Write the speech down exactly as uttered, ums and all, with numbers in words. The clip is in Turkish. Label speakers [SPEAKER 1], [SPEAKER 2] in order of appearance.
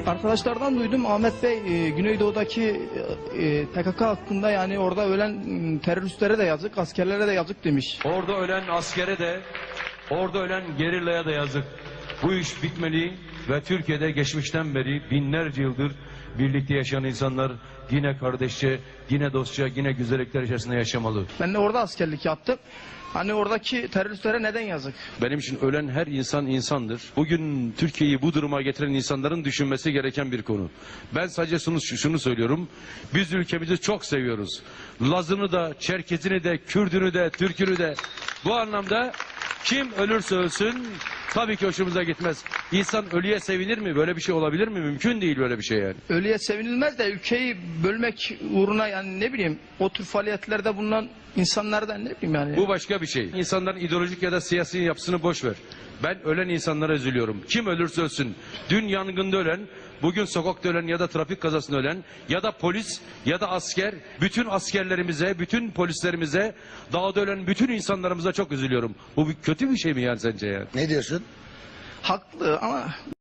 [SPEAKER 1] Arkadaşlardan duydum, Ahmet Bey e, Güneydoğu'daki e, P K K hakkında, yani orada ölen m, teröristlere de yazık, askerlere de yazık demiş.
[SPEAKER 2] Orada ölen askere de, orada ölen gerillaya da yazık. Bu iş bitmeli ve Türkiye'de geçmişten beri binlerce yıldır birlikte yaşayan insanlar yine kardeşçe, yine dostça, yine güzellikler içerisinde yaşamalı.
[SPEAKER 1] Ben de orada askerlik yaptım. Hani oradaki teröristlere neden yazık?
[SPEAKER 2] Benim için ölen her insan insandır. Bugün Türkiye'yi bu duruma getiren insanların düşünmesi gereken bir konu. Ben sadece şunu, şunu söylüyorum. Biz ülkemizi çok seviyoruz. Lazını da, Çerkezini de, Kürdünü de, Türkünü de. Bu anlamda kim ölürse ölsün tabii ki hoşumuza gitmez. İnsan ölüye sevinir mi? Böyle bir şey olabilir mi? Mümkün değil böyle bir şey yani.
[SPEAKER 1] Ölüye sevinilmez de ülkeyi bölmek uğruna, yani ne bileyim, o tür faaliyetlerde bulunan insanlardan ne bileyim yani.
[SPEAKER 2] Bu başka bir şey. İnsanların ideolojik ya da siyasi yapısını boş ver. Ben ölen insanlara üzülüyorum. Kim ölürse ölsün. Dün yangında ölen, bugün sokakta ölen ya da trafik kazasında ölen ya da polis ya da asker, bütün askerlerimize, bütün polislerimize, dağda ölen bütün insanlarımıza çok üzülüyorum. Bu bir kötü bir şey mi yani sence yani?
[SPEAKER 3] Ne diyorsun?
[SPEAKER 1] Haklı ama